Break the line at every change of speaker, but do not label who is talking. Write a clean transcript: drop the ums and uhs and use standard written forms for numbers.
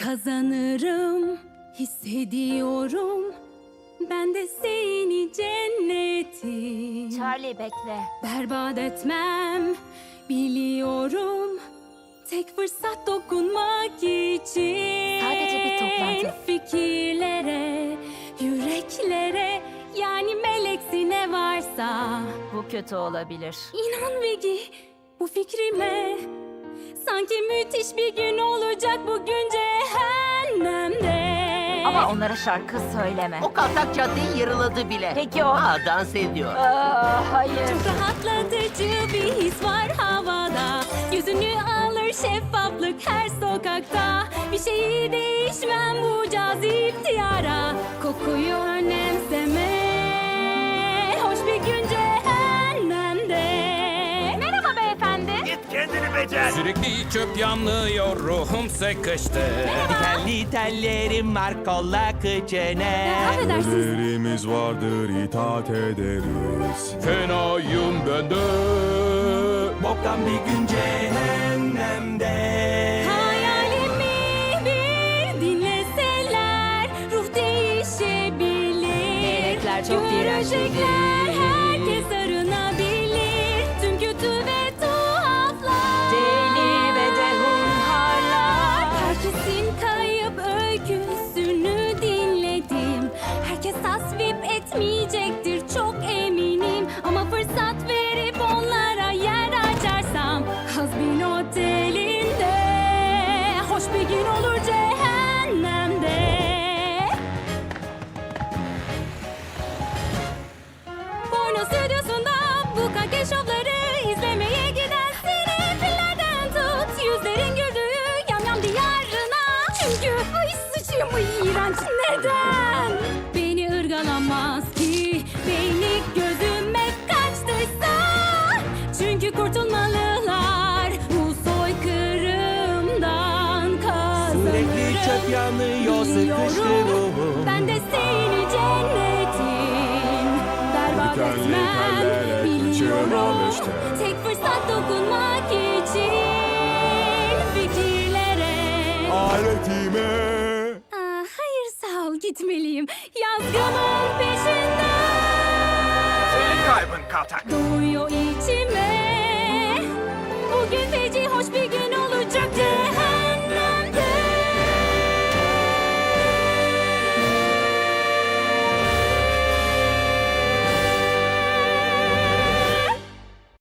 kazanırım, hissediyorum. Ben de seni cennetim.
Charlie bekle.
Berbat etmem, biliyorum. Tek fırsat dokunmak için.
Sadece bir toplantı.
Fikirlere, yüreklere, yani meleksi ne varsa.
Bu kötü olabilir.
İnan Vegi, bu fikrime. Sanki müthiş bir gün olacak bugün cehennemde.
Ama onlara şarkı söyleme.
O kaltak caddeyi yarıladı bile.
Peki o?
Dans ediyor.
Hayır.
Çok rahatlatıcı bir his var havada. Yüzünü alır şeffaflık her sokakta. Bir şeyi değişmem bu cazip diyara. Kokuyu önemseme. Hoş bir gün cehennemde.
Merhaba beyefendi.
Git kendini becer.
Sürekli çöp yanıyor, ruhum sıkıştı.
Dikenli tellerim var kolla kıçene.
Affedersiniz.
Ellerimiz vardır, itaat ederiz.
Fenayım ben de.
Boktan bir gün cehennemde.
Hayalimi bir dinleseler ruh değişebilir.
Melekler çok iğrenç değil.
Görecekler herkes arınabilir. Tüm kötü ve tuhaflar.
Deli ve de hunharlar.
Herkesin kayıp öyküsünü dinledim. Herkes tasvip etmeyecektir çok eminim. Ama fırsat verip onlara yer açarsam Hazbin Oteli'nde hoş bir gün olur cehennemde. Porno stüdyosunda bu kanke şovları izlemeye giden sinefillerden tut. Yüzlerin güldüğü yamyam diyarına. Çünkü ay sıçayım ay iğrenç neden? Beni ırgalamaz ki beyni gözüme kaçtıysa. Çünkü kurtulmalılar bu soykırımdan kazanırım.
Sürekli çöp yanıyor, sıkıştı
Biliyorum,
ruhum.
ben de seni cennetim. Berbat
Dikenli
etmem
tellere
biliyorum.
kaçırmam işte.
Tek fırsat dokunmak için fikirlere.
Aletime.
Hayır sağ ol gitmeliyim. Yazgımın peşinden.
Senin kaybın kaltak.
Doğuyor içime.